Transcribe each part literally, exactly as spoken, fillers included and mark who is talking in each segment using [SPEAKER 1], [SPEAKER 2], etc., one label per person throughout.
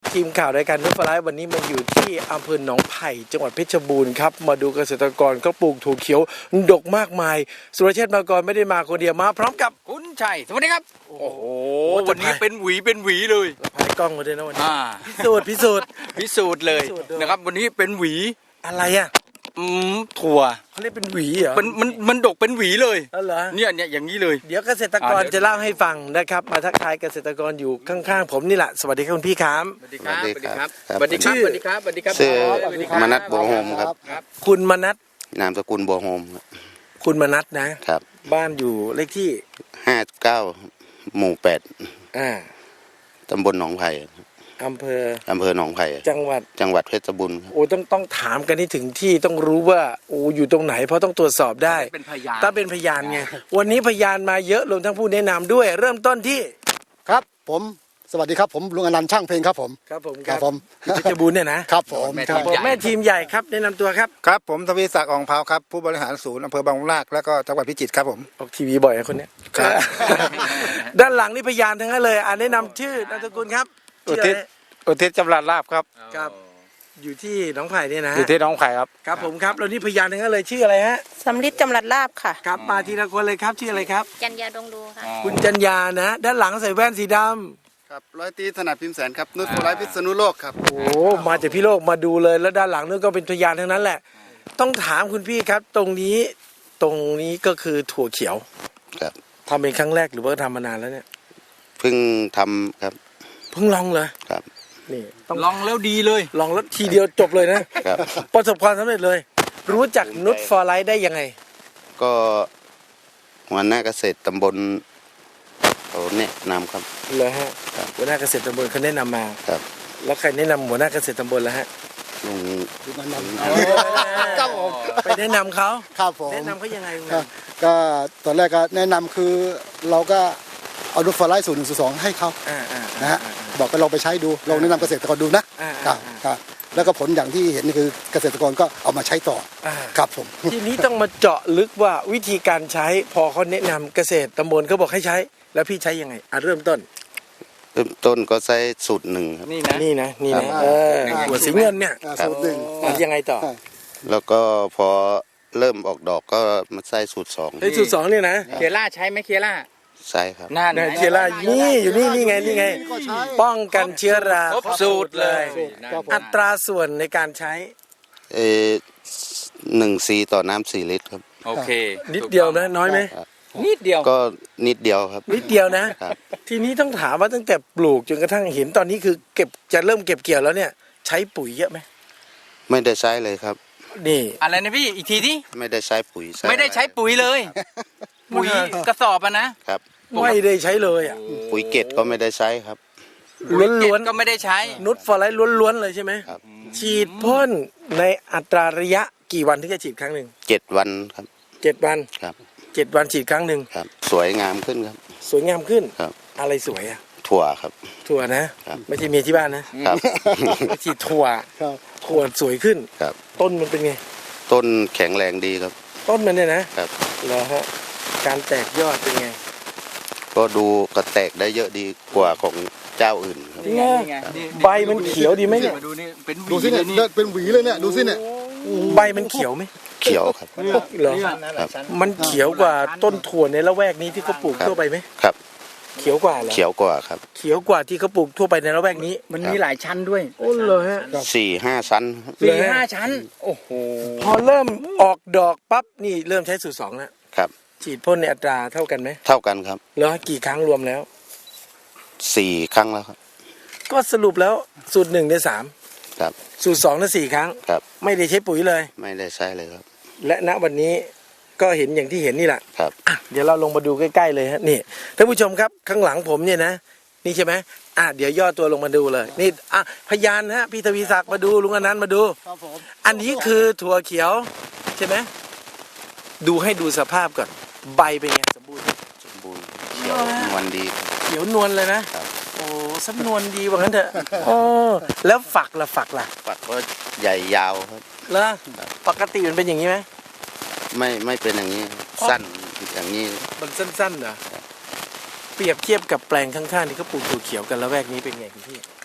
[SPEAKER 1] ทีมข่าวรายการนุชฟลายวันนี้มาอยู่ที่อำเภอหนองไผ่จังหวัดเพชรบูรณ์ครับมาดูเกษตรกรก็ปลูกถั่วเขียวดกมากมายสุรเชษฐ์มากรไม่ได้มาคนเดียวมาพร้อมกับ
[SPEAKER 2] คุณชัยสวัสดีครับโอ้โห
[SPEAKER 1] วั
[SPEAKER 2] วัน น
[SPEAKER 1] นี้
[SPEAKER 2] นี้เป็นหวีเป็นหวีเลย
[SPEAKER 1] พายกล้องมาด้วยนะวันนี้
[SPEAKER 2] อ่า
[SPEAKER 1] พิสูจน์พิสูจน์
[SPEAKER 2] พิสูจน์เลย
[SPEAKER 1] พิสูจน์ด้วย
[SPEAKER 2] นะครับ วันนี้เป็นหวี
[SPEAKER 1] อะไรอ่ะ
[SPEAKER 2] อืมถั่ว
[SPEAKER 1] เขาเรียกเป็นหวีเหรอ
[SPEAKER 2] มันมันมันดกเป็นหวีเลย
[SPEAKER 1] อ๋อเหรอ
[SPEAKER 2] เนี่ยเนี่ยอย่างนี้เลย
[SPEAKER 1] เดี๋ยวเกษตรกร
[SPEAKER 2] อ่าเดี๋ยว
[SPEAKER 1] จะเล่าให้ฟังนะครับมาทักทายเกษตรกรอยู่ข้างๆผมนี่แหละสวัสดีครับคุณพี่ครับ
[SPEAKER 2] สวัสดีครับ
[SPEAKER 3] สวัสดีครับ
[SPEAKER 2] สวัสดีครับ
[SPEAKER 1] ชื่อ
[SPEAKER 2] สวัสดีครับสวัสดีครับ
[SPEAKER 3] ชื่อ
[SPEAKER 2] สวัสดีครับ
[SPEAKER 3] มนัสบัวโฮมครับ
[SPEAKER 2] ครับ
[SPEAKER 1] คุณมนัส
[SPEAKER 3] นามสกุลบัวโฮมครับ
[SPEAKER 1] คุณมนัสนะครับ บ้านอยู่เลขที่
[SPEAKER 3] ห้าเก้าหมู่แปด
[SPEAKER 1] อ่า
[SPEAKER 3] ตำบลหนองไผ่
[SPEAKER 1] อำเภอ
[SPEAKER 3] อำเภอหนองไผ่
[SPEAKER 1] จังหวัด
[SPEAKER 3] จังหวัดเพชรบูรณ์ครับ
[SPEAKER 1] โอ้ต้องต้องถามกันให้ถึงที่ต้องรู้ว่าโอ้อยู่ตรงไหนเพราะต้องตรวจสอบได้
[SPEAKER 2] เป็นพยาน
[SPEAKER 1] ถ้าเป็นพยานไงวันนี้พยานมาเยอะรวมทั้งผู้แนะนำด้วย เริ่มต้นที่
[SPEAKER 4] ครับผมสวัสดีครับผมลุงอนันต์ช่างเพลงครับผม
[SPEAKER 1] ครับผม
[SPEAKER 4] ครับผม
[SPEAKER 1] เพชรบูรณ์เนี่ยนะครับ
[SPEAKER 4] ผม
[SPEAKER 2] แม่
[SPEAKER 4] ครับ
[SPEAKER 2] ที
[SPEAKER 4] ผม
[SPEAKER 2] ใหญ่
[SPEAKER 1] แม่ทีมใหญ่ครับแนะนำตัวครับ
[SPEAKER 5] ครับผมทวีศักดิ์อ่องเผาครับผู้บริหารศูนย์อำเภอบางลากแล้วก็จังหวัดพิจิตรครับผม
[SPEAKER 1] ออกทีวีบ่อยนะคนเนี้ย
[SPEAKER 5] ครับ
[SPEAKER 1] ด้านหลังนี่พยานทั้งนั้นเลยอ่าแนะนำชื่อนามสกุลครับ
[SPEAKER 5] อุ
[SPEAKER 1] ชื่อ
[SPEAKER 5] ทิศ
[SPEAKER 1] อะไร
[SPEAKER 5] อุทิศจำรัดลาบครับ
[SPEAKER 1] ครับ อยู่ที่หนองไผ่เนี่ยนะ
[SPEAKER 5] อยู่ที่หน้องไผ่ครับ
[SPEAKER 1] ครับผมครับแล้วนี่พยานทั้งนั้นเลยชื่ออะไรฮะ
[SPEAKER 6] สำลิดจำรัดลาบค่ะ
[SPEAKER 1] ครับมาทีละคนเลยครับชื่ออะไรครับ
[SPEAKER 6] จันยาดงดูค่ะ
[SPEAKER 1] คุณจันยานะ ด้านหลังใส่แว่นสีดำ
[SPEAKER 7] ครับร้อยตีถนัดพิมพ์แสนครับนุชโฟไลพิษณุโลกครับ
[SPEAKER 1] โอ้มาจากพี่โลกมาดูเลยแล้วด้านหลังนู้นก็เป็นพยานทั้งนั้นแหละ ต้องถามคุณพี่ครับ ตรงนี้ตรงนี้ก็คือถั่วเขียว
[SPEAKER 3] ครับ
[SPEAKER 1] ทำเป็นครั้งแรกหรือว่าทำมานานแล้วเนี่ย
[SPEAKER 3] เพิ่งทำครับ
[SPEAKER 1] เพิ่งลองเลย
[SPEAKER 3] ครับ
[SPEAKER 1] นี่ต้อง
[SPEAKER 2] ลองแล้วดีเลย
[SPEAKER 1] ลองแล้วทีเดียวจบเลยนะครับ ประสบความสำเร็จเลย รู้จักนุชฟอร์ไลท์ได้ยังไง
[SPEAKER 3] ก็หัวหน้าเกษตรตำบลเขาแนะนำครับ
[SPEAKER 1] เลยฮะ
[SPEAKER 3] ครับ
[SPEAKER 1] หัวหน้าเกษตรตำบลเขาแนะนำมา
[SPEAKER 3] ครับ
[SPEAKER 1] แล้วใครแนะนำหัวหน้าเกษตรตำบลแล้วฮะ
[SPEAKER 3] ลุง
[SPEAKER 4] ลุงอนันต์
[SPEAKER 1] ครับผมไปแนะนำเขา
[SPEAKER 4] ครับผม
[SPEAKER 1] แนะนำเขายังไงคุณ
[SPEAKER 4] ครับก็ตอนแรกก็แนะนำคือเราก็เอาดูฟอร์ไลท์ศูนย์หนึ่งศูนย์สองให้เขา
[SPEAKER 1] อ่าอ่า
[SPEAKER 4] นะฮะบอกก็ลองไปใช้ดูลองแนะนำเกษตรกรดูนะ
[SPEAKER 1] อ่า
[SPEAKER 4] ครั
[SPEAKER 1] อ่า
[SPEAKER 4] บครับแล้วก็ผลอย่างที่เห็นนี่คือเกษตรกรก็เอามาใช้ต่อ
[SPEAKER 1] อ่า
[SPEAKER 4] ครับผม
[SPEAKER 1] ทีนี้ต้องมาเจาะลึกว่าวิธีการใช้พอเขาแนะนำเกษตรตำบลเขาบอกให้ใช้ แล้วพี่ใช้ยังไงอ่ะเริ่มต้น
[SPEAKER 3] เริ่มต้นก็ใช้สูตรหนึ่งครับ
[SPEAKER 2] นี่นะ
[SPEAKER 1] นี่นะนี่นะ
[SPEAKER 4] อ่า
[SPEAKER 1] เออหัวสีเงินเนี่ย
[SPEAKER 4] อ่าสูตรหนึ่ง
[SPEAKER 1] อ่ะยังไงต่อ
[SPEAKER 3] แล้วก็พอเริ่มออกดอกก็มาใช้สูตรสอง
[SPEAKER 1] ไอ้สูตรสองเนี่ยนะ
[SPEAKER 2] เคียร่าใช้ไหมเคียร่า
[SPEAKER 3] ใช่ครับ
[SPEAKER 2] น่า
[SPEAKER 1] เนี่ยเชื้อรานี่อยู่นี่นี่ไงนี่ไง
[SPEAKER 4] ก็ใช้
[SPEAKER 1] ป้องกันเชื้อรา
[SPEAKER 2] ครบสูตรเลย
[SPEAKER 4] ครับผม
[SPEAKER 1] อัตราส่วนในการใช้
[SPEAKER 3] เออหนึ่งซีต่อน้ำสี่ลิตรครับ
[SPEAKER 2] โอเค
[SPEAKER 1] นิดเดียวนะน้อยไหม
[SPEAKER 2] นิดเดียว
[SPEAKER 3] ก็นิดเดียวครับ
[SPEAKER 1] นิดเดียวนะ
[SPEAKER 3] ครับ
[SPEAKER 1] ทีนี้ต้องถามว่าตั้งแต่ปลูกจนกระทั่งเห็นตอนนี้คือเก็บจะเริ่มเก็บเกี่ยวแล้วเนี่ย ใช้ปุ๋ยเยอะไหม
[SPEAKER 3] ไม่ได้ใช้เลยครับ
[SPEAKER 1] นี่
[SPEAKER 2] อะไรนะพี่อีกทีที่
[SPEAKER 3] ไม่ได้ใช้ปุ๋ย
[SPEAKER 2] ไม่ได้ใช้ปุ๋ยเลย ปุ๋ยกระสอบอะนะครับ
[SPEAKER 1] ไม่ได้ใช้เลยอ่ะ
[SPEAKER 3] ปุ๋ยเกตก็ไม่ได้ใช้ครับ
[SPEAKER 1] ล้วน
[SPEAKER 2] ก็ไม่ได้ใช้
[SPEAKER 1] ๆนุชฟอร์ไลท์ล้วนๆเลยใช่ไหม
[SPEAKER 3] ครับ
[SPEAKER 1] ฉีดพ่นในอัตราระยะกี่วันถึงจะฉีดครั้งหนึ่ง
[SPEAKER 3] เจ็ดวันครับ
[SPEAKER 1] เจ็ดวัน
[SPEAKER 3] ครับ
[SPEAKER 1] เจ็ดวันฉีดครั้งหนึ่ง
[SPEAKER 3] ครับ สวยงามขึ้นครับ
[SPEAKER 1] สวยงามขึ้น
[SPEAKER 3] ครับ
[SPEAKER 1] อะไรสวยอ่ะ
[SPEAKER 3] ถั่วครับ
[SPEAKER 1] ถั่วนะครับ ไม่ใช่เมียที่บ้านนะครับ ฉีดถั่ว
[SPEAKER 4] ครับ
[SPEAKER 1] ถั่วสวยขึ้น
[SPEAKER 3] ครับ
[SPEAKER 1] ต้นมันเป็นไง
[SPEAKER 3] ต้นแข็งแรงดีครับ
[SPEAKER 1] ต้นมันเนี่ยนะครับ เหรอฮะการแตกยอดเป็นไง
[SPEAKER 3] ก็ดูกระแตกได้เยอะดีกว่าของเจ้าอื่นครับ
[SPEAKER 1] นี่ไงใบมันเขียวดีไหมเนี่ย
[SPEAKER 2] มาดูนี่เป็นห
[SPEAKER 4] ดู
[SPEAKER 2] วี
[SPEAKER 4] สิ
[SPEAKER 2] เล
[SPEAKER 4] เนี่ย
[SPEAKER 2] ยนี่
[SPEAKER 4] เดินเป็นหวีเลยเนี่ยดูสิเนี่ย
[SPEAKER 1] ใบมันเขียวไหม
[SPEAKER 3] เขียวครับ
[SPEAKER 1] เหรอ
[SPEAKER 3] ครับ
[SPEAKER 1] มันเขียวกว่าต้นถั่วในละแวกนี้ที่เขาปลูก
[SPEAKER 3] ครับ
[SPEAKER 1] ทั่วไปไหม
[SPEAKER 3] ครับ
[SPEAKER 1] เขียวกว่าเหรอ
[SPEAKER 3] เขียวกว่าครับ
[SPEAKER 1] เขียวกว่าที่เขาปลูกทั่วไปในละแวกนี้
[SPEAKER 2] มันมีหลายชั้นด้วย
[SPEAKER 1] โอ้เลยฮะ
[SPEAKER 3] สี่ห้าชั้นครับ
[SPEAKER 2] สี่ห้าชั้น โอ้โห
[SPEAKER 1] พอเริ่มออกดอกปั๊บนี่เริ่มใช้สูตรสองแล้ว
[SPEAKER 3] ครับ
[SPEAKER 1] ฉีดพ่นในอัตราเท่ากันไหม
[SPEAKER 3] เท่ากันครับ
[SPEAKER 1] แล้วกี่ครั้งรวมแล้ว
[SPEAKER 3] สี่ครั้งแล้วครับ
[SPEAKER 1] ก็สรุปแล้วสูตรหนึ่งได้สาม
[SPEAKER 3] ครับ
[SPEAKER 1] สูตรสองได้สี่ครั้ง
[SPEAKER 3] ครับ
[SPEAKER 1] ไม่ได้ใช้ปุ๋ยเลย
[SPEAKER 3] ไม่ได้ใช้เลยครับ
[SPEAKER 1] และณวันนี้ก็เห็นอย่างที่เห็นนี่แหละ
[SPEAKER 3] ครับ
[SPEAKER 1] อ่ะเดี๋ยวเราลงมาดูใกล้ๆเลยฮะนี่ท่านผู้ชมครับข้างหลังผมเนี่ยนะนี่ใช่ไหมอ่ะเดี๋ยวย่อตัวลงมาดูเลยนี่อ่ะพยานฮะพี่ทวีศักดิ์มาดูลุงอนันต์มาดู
[SPEAKER 4] ครับผม
[SPEAKER 1] อันนี้คือถั่วเขียวใช่ไหมดูให้ดูสภาพก่อนใบเป็นไงสมบูรณ์
[SPEAKER 3] สมบูรณ์เขียวนวลดีครับ
[SPEAKER 1] เขียวนวลเลยนะครับ โอ้สำนวนดีว่างั้นเถอะโอ้แล้วฝักล่ะฝักล่ะ
[SPEAKER 3] ฝักก็ใหญ่ยาวครับ
[SPEAKER 1] เหรอปกติมันเป็นอย่างนี้ไหม
[SPEAKER 3] ไม่ไม่เป็นอย่างนี้ครับสั้นอย่างนี้
[SPEAKER 1] มันสั้นๆเหรอเปรียบเทียบกับแปลงข้างๆที่เขาปลูกถั่วเขียวกันแล้วแวกนี้เป็นไงคุณพี่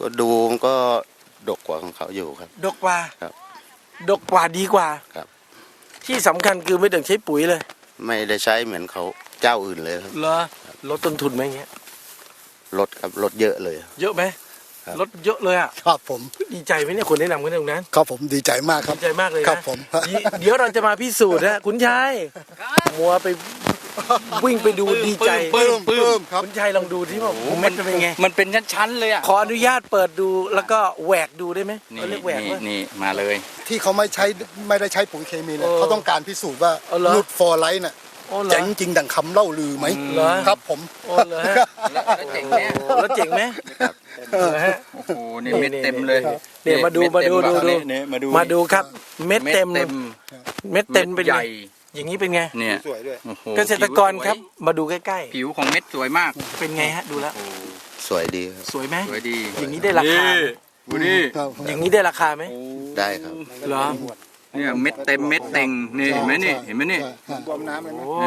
[SPEAKER 3] ก็ดูมันก็ดกกว่าของเขาอยู่ครับ
[SPEAKER 1] ดกกว่า
[SPEAKER 3] ครับ
[SPEAKER 1] ดกกว่าดีกว่า
[SPEAKER 3] ครับ
[SPEAKER 1] ที่สำคัญคือไม่ต้องใช้ปุ๋ยเลย
[SPEAKER 3] ไม่ได้ใช้เหมือนเขาเจ้าอื่นเลยครับ
[SPEAKER 1] เหรอลดต้นทุนไหมอย่างเงี้ย
[SPEAKER 3] ลดครับลดเยอะเลย
[SPEAKER 1] เยอะไหม
[SPEAKER 3] ครับ
[SPEAKER 1] ลดเยอะเลยอ่ะ
[SPEAKER 4] ครับผม
[SPEAKER 1] ดีใจไหมเนี่ยคนแนะนำกันตรงนั้น
[SPEAKER 4] ครับผมดีใจมากครับ
[SPEAKER 1] ดีใจมากเลยนะครับ
[SPEAKER 4] ผม
[SPEAKER 1] เดี๋ยวเดี๋ยวเราจะมาพิสูจน์นะคุณชายมัวไปวิ่งไปดูดีใจ
[SPEAKER 2] ปลื้มปลื้ม
[SPEAKER 4] ครับ
[SPEAKER 1] คุณชายลองดูที่ว่าเม็ดเป็นไง
[SPEAKER 2] มันเป็นชั้นๆเลยอ่ะ
[SPEAKER 1] ขออนุญาตเปิดดูแล้วก็แหวกดูได้ไหม
[SPEAKER 2] นี่
[SPEAKER 1] เขาเรียกแหวก
[SPEAKER 2] นี่
[SPEAKER 1] ว่า
[SPEAKER 2] นี่มาเลย
[SPEAKER 4] ที่เขาไม่ใช้ไม่ได้ใช้ปุ๋ยเคมีเนี่ย
[SPEAKER 1] เออ
[SPEAKER 4] เขาต้องการพิสูจน์ว่า
[SPEAKER 1] เอาเหรอ
[SPEAKER 4] นูตฟอร์ไลท์น่ะ
[SPEAKER 1] โอ้เหรอ
[SPEAKER 4] เจ๋งจริงดังคำเล่าลือไหม
[SPEAKER 1] เหรอ
[SPEAKER 4] ครับผม
[SPEAKER 1] โอ้เหรอฮะ
[SPEAKER 2] แล้วแล้วเจ๋งเนี่ย
[SPEAKER 1] โอ้แล้วเจ๋งไหมเหรอฮะ
[SPEAKER 2] โอ้โหนี่เม็ดเต็มเลย
[SPEAKER 1] เนี่ยมาดู
[SPEAKER 2] เด
[SPEAKER 1] มาดู
[SPEAKER 2] เต็
[SPEAKER 1] ดูดู
[SPEAKER 2] นี่มาดู
[SPEAKER 1] มาดูครับ เม็ดเต็ม
[SPEAKER 2] เต็ม
[SPEAKER 1] เม็ดเต็มเป็น
[SPEAKER 2] ให
[SPEAKER 1] ไง
[SPEAKER 2] ญ่
[SPEAKER 1] อย่างนี้เป็นไง
[SPEAKER 2] เนี่ย
[SPEAKER 5] สวยด้วย
[SPEAKER 2] โอ้โห
[SPEAKER 1] เกษตรกรครับมาดูใกล้
[SPEAKER 2] ผิวของเม็ดสวยมาก
[SPEAKER 1] ๆเป็นไงฮะดูแล้ว
[SPEAKER 3] สวยดีครับ
[SPEAKER 1] สวยไหม
[SPEAKER 2] สวยดี
[SPEAKER 1] อย่างนี้ได้ราคาไหม
[SPEAKER 2] ดูนี่
[SPEAKER 4] ครับ
[SPEAKER 1] อย่างนี้ได้ราคาไหม
[SPEAKER 3] ได้ครับ
[SPEAKER 1] เหรอ
[SPEAKER 2] เนี่ยเม็ดเต็มเม็ดเต็งนี่เห็นไหมนี่เห็นไหมนี่
[SPEAKER 5] บวมน้ำเลยนะ
[SPEAKER 1] โอ้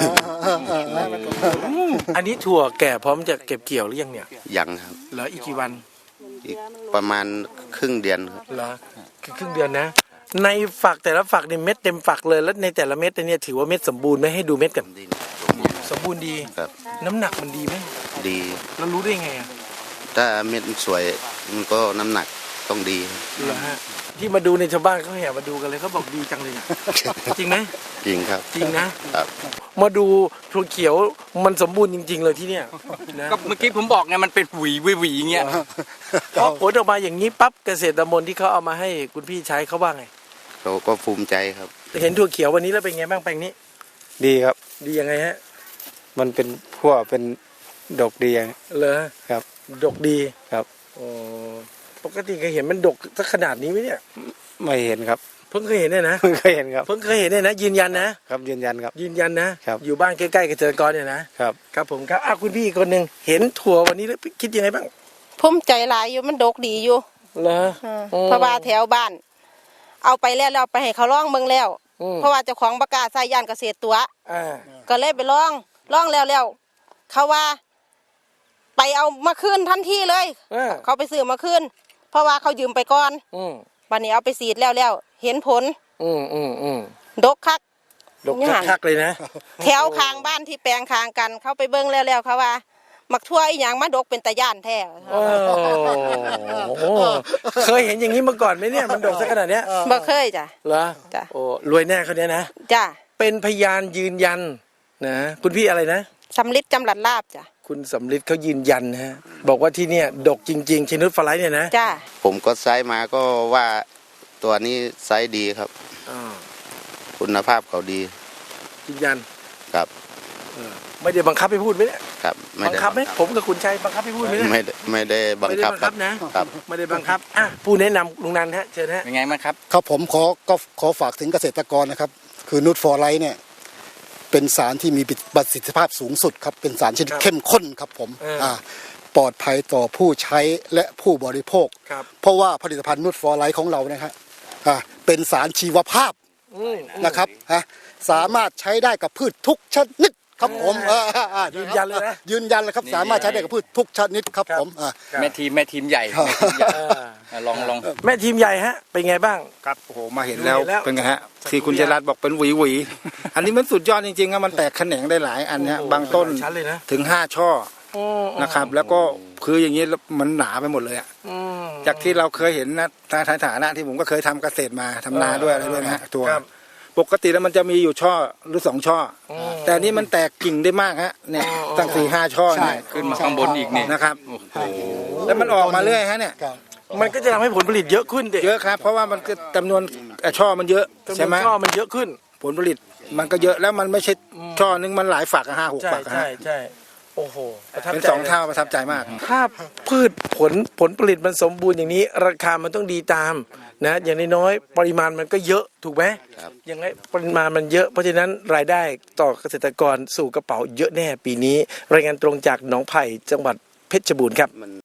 [SPEAKER 1] อันนี้ถั่วแก่พร้อมจะเก็บเกี่ยวหรือยังเนี่ย
[SPEAKER 3] ยังครับ
[SPEAKER 1] เหลืออีกกี่วัน
[SPEAKER 3] อีกประมาณครึ่งเดือนครับ
[SPEAKER 1] เหรอคือครึ่งเดือนนะ ในฝักแต่ละฝักนี่เม็ดเต็มฝักเลยแล้วในแต่ละเม็ดเนี่ยถือว่าเม็ดสมบูรณ์ไหมให้ดูเม็ดกัน
[SPEAKER 3] ดี
[SPEAKER 1] สมบูรณ์ดี
[SPEAKER 3] ครับ
[SPEAKER 1] น้ำหนักมันดีไหม
[SPEAKER 3] ดี
[SPEAKER 1] เรารู้ได้ไงอ่ะ
[SPEAKER 3] ถ้าเม็ดมันสวยมันก็น้ำหนักต้องดีครับ
[SPEAKER 1] เหรอฮะที่มาดูในชาวบ้านเขาแห่มาดูกันเลยเขาบอกดีจังเลยอะจริงไหม
[SPEAKER 3] จริงครับ
[SPEAKER 1] จริงนะครับ มาดูถั่วเขียวมันสมบูรณ์จริง ๆ เลยที่เนี่ยนะ
[SPEAKER 2] ก็เมื่อกี้ผมบอกไงมันเป็นหวีหวีหวีอย่างเงี้ย
[SPEAKER 1] พอผลออกมาอย่างนี้ปั๊บเกษตรมนที่เขาเอามาให้คุณพี่ใช้เขาว่าไง
[SPEAKER 3] เราก็ภูมิใจครับ
[SPEAKER 1] เห็นถั่วเขียววันนี้แล้วเป็นไงบ้างแปลงนี้
[SPEAKER 8] ดีครับ
[SPEAKER 1] ดียังไงฮะ
[SPEAKER 8] มันเป็นพวกเป็นดอกดีอะ
[SPEAKER 1] เหรอ
[SPEAKER 8] ครับ
[SPEAKER 1] ดกดี
[SPEAKER 8] ครับ
[SPEAKER 1] โอ้ปกติเคยเห็นมันดกสักขนาดนี้ไหมเนี่ย
[SPEAKER 8] ไม่เห็นครับ
[SPEAKER 1] เพิ่งเคยเห็นเนี่ยนะ
[SPEAKER 8] เพิ่งเคยเห็นครับ
[SPEAKER 1] เพิ่งเคยเห็นเนี่ยนะยืนยันนะครับ
[SPEAKER 8] ยืนยันครับ
[SPEAKER 1] ยืนยันนะครับ อยู่บ้านใกล้ๆเกษตรกรเนี่ยนะครับ ครับผมครับอ่ะคุณพี่อีกคนหนึ่งเห็นถั่ววันนี้แล้วคิดยังไงบ้าง
[SPEAKER 6] ภูมิใจหลายอยู่มันดกดีอยู่
[SPEAKER 1] เหรอ
[SPEAKER 6] เออเพราะว่าแถวบ้าน เอาไปแล้วเราไปให้เขาลองเบิ่งแล้ว
[SPEAKER 1] อืม
[SPEAKER 6] เพราะว่าเจ้าของประกาศใส่ย่านเกษตรตัว
[SPEAKER 1] อ่า
[SPEAKER 6] ก็เลยไปลองลองแล้วแล้วเขาว่า ไปเอามาคืนทันทีเลย
[SPEAKER 1] อ่า
[SPEAKER 6] เขาไปซื้อมาคืนเพราะว่าเขายืมไปก่อน
[SPEAKER 1] อืม
[SPEAKER 6] วันนี้เอาไปสีดแล้วแล้วเห็นผล
[SPEAKER 1] อืมอืมอืม
[SPEAKER 6] ดกคัก
[SPEAKER 1] ดกคักๆเลยนะ
[SPEAKER 6] แถวข้างบ้านที่แปลงข้างกัน เขาไปเบิ่งแล้วแล้วเขาว่ามักทั่วอีหยังมาดกเป็นตะย่านแท้
[SPEAKER 1] โอ้โหเคยเห็นอย่างนี้มาก่อนไหมเนี่ยมันดกสักขนาดเนี้ย
[SPEAKER 6] บ่เคยจ้ะ
[SPEAKER 1] เหรอ
[SPEAKER 6] จ้ะ
[SPEAKER 1] โอ้รวยแน่เขาเนี้ยนะ
[SPEAKER 6] จ้ะ
[SPEAKER 1] เป็นพยานยืนยันนะคุณพี่อะไรนะ
[SPEAKER 6] สำลิดจำหลัดลาบจ้ะ
[SPEAKER 1] คุณสำลิดเขายืนยันนะฮะบอกว่าที่เนี่ยดกจริงๆชินุสฟลายเนี่ยนะ
[SPEAKER 6] จ้ะ
[SPEAKER 3] ผมก็ไซส์มาก็ว่าตัวนี้ไซส์ดีครับ
[SPEAKER 1] อ่า
[SPEAKER 3] คุณภาพเขาดี
[SPEAKER 1] ยืนยัน
[SPEAKER 3] ครับ
[SPEAKER 1] เออไม่ได้บังคับให้พูดไหมเนี่ย
[SPEAKER 3] ครับไม่
[SPEAKER 1] บัง
[SPEAKER 3] ได้
[SPEAKER 1] คับไหมผมกับคุณชัยบังคับให้พูดไหมเนี่ย
[SPEAKER 3] ไม่ได้ไม่ได้บัง
[SPEAKER 1] ไม่ได้
[SPEAKER 3] คับ
[SPEAKER 1] บัง
[SPEAKER 3] ค
[SPEAKER 1] คั
[SPEAKER 3] รั
[SPEAKER 1] บบ นะครับ ไม่ได้บังคับอ่ะผู้แนะนำลุงนันฮะเชิญฮะ
[SPEAKER 2] เป็นไงบ้างครับ
[SPEAKER 4] ครับผมขอก็ขอฝากถึงเกษตรกรนะครับ คือนูตฟอร์ไลท์เนี่ยเป็นสารที่มีประสิทธิภาพสูงสุดครับเป็นสารชนิดเข้มข้นครับผมอ่าปลอดภัยต่อผู้ใช้และผู้บริโภค
[SPEAKER 1] ครับ
[SPEAKER 4] เพราะว่าผลิตภัณฑ์นูตฟอร์ไลท์ของเรานะครับอ่าเป็นสารชีวภาพ
[SPEAKER 1] อืม
[SPEAKER 4] นะครับฮะสามารถใช้ได้กับพืชทุกชนิดครับผมอ่าอ่า
[SPEAKER 1] ยืนยันเลยนะ
[SPEAKER 4] ยืนยันเลยครับ
[SPEAKER 2] นี่
[SPEAKER 4] สามารถใช้ได้กับพืชทุกชนิดครับ
[SPEAKER 1] ครับ
[SPEAKER 4] ผมอ่า
[SPEAKER 2] แม่ทีมแม่ทีมใหญ่
[SPEAKER 4] ครับ
[SPEAKER 2] แม่ทีมใหญ่
[SPEAKER 1] เออ
[SPEAKER 2] อ่ะลองลอง
[SPEAKER 1] แม่ทีมใหญ่ฮะเป็นไงบ้าง
[SPEAKER 5] ครับโอ้โหมาเห็นแล้ว
[SPEAKER 1] เห็นแล้ว
[SPEAKER 5] เป็นไงฮะ
[SPEAKER 1] สัก
[SPEAKER 5] ที่คุณ
[SPEAKER 1] ครู่
[SPEAKER 5] เจรัตบอกเป็นหวีหวี อันนี้มันสุดยอดจริงๆครับมันแตกแขนงได้หลายอันเนี้ย
[SPEAKER 1] โอ้โห
[SPEAKER 5] บางต้น
[SPEAKER 1] หลายชั้นเลยนะ
[SPEAKER 5] ถึงห้าช่อ
[SPEAKER 1] อืม
[SPEAKER 5] นะครับ แล้วก็คืออย่างนี้มันหนาไปหมดเลยอะ
[SPEAKER 1] อืม
[SPEAKER 5] จากที่เราเคยเห็นนะในฐานะที่ผมก็เคยทำเกษตรมาทำนาด้วยอะไรด้วยนะฮะตัว
[SPEAKER 1] ครับ
[SPEAKER 5] ปกติแล้วมันจะมีอยู่ช่อหรือสองช่ออ
[SPEAKER 1] ม
[SPEAKER 5] แต่อันนี่มันแตกกิ่งได้มากฮะเนี่ยตั้งสี่ห้าช่อเนี่ย
[SPEAKER 2] ขึ้นมาข้างบนอีกนี่
[SPEAKER 5] นะครับ
[SPEAKER 2] โอ้โห
[SPEAKER 5] แล้วมันออกมาเรื่อยฮะเนี่ย
[SPEAKER 4] ครับ
[SPEAKER 1] มันก็จะทำให้ผลผลิตเยอะขึ้นดิ
[SPEAKER 5] เยอะครับ เพราะว่ามันก็จำนวนเอ่อช่อมันเยอะ
[SPEAKER 1] จำน
[SPEAKER 5] ใช่
[SPEAKER 1] วน
[SPEAKER 5] ไหม
[SPEAKER 1] ช่อมันเยอะขึ้น
[SPEAKER 5] ผลผลิตมันก็เยอะแล้วมันไม่ใช่ช่อนึงมันหลายฝักอะห้าหก
[SPEAKER 1] ใช่
[SPEAKER 5] ฝักอะ
[SPEAKER 1] ใช่
[SPEAKER 5] ฮะ
[SPEAKER 1] ใช่โอ้โหประทับ
[SPEAKER 5] เป็น
[SPEAKER 1] ใจ
[SPEAKER 5] สอง
[SPEAKER 1] ลย
[SPEAKER 5] เท่าประทับใจมาก
[SPEAKER 1] ถ้าพืชผลผลผลิตมันสมบูรณ์อย่างนี้ ราคามันต้องดีตามนะอย่างน้อยๆปริมาณมันก็เยอะถูกไหม
[SPEAKER 3] ครับ
[SPEAKER 1] อย่างไรปริมาณมันเยอะเพราะฉะนั้นรายได้ต่อเกษตรกรสู่กระเป๋าเยอะแน่ปีนี้ รายงานตรงจากหนองไผ่จังหวัดเพชรบูรณ์ครับ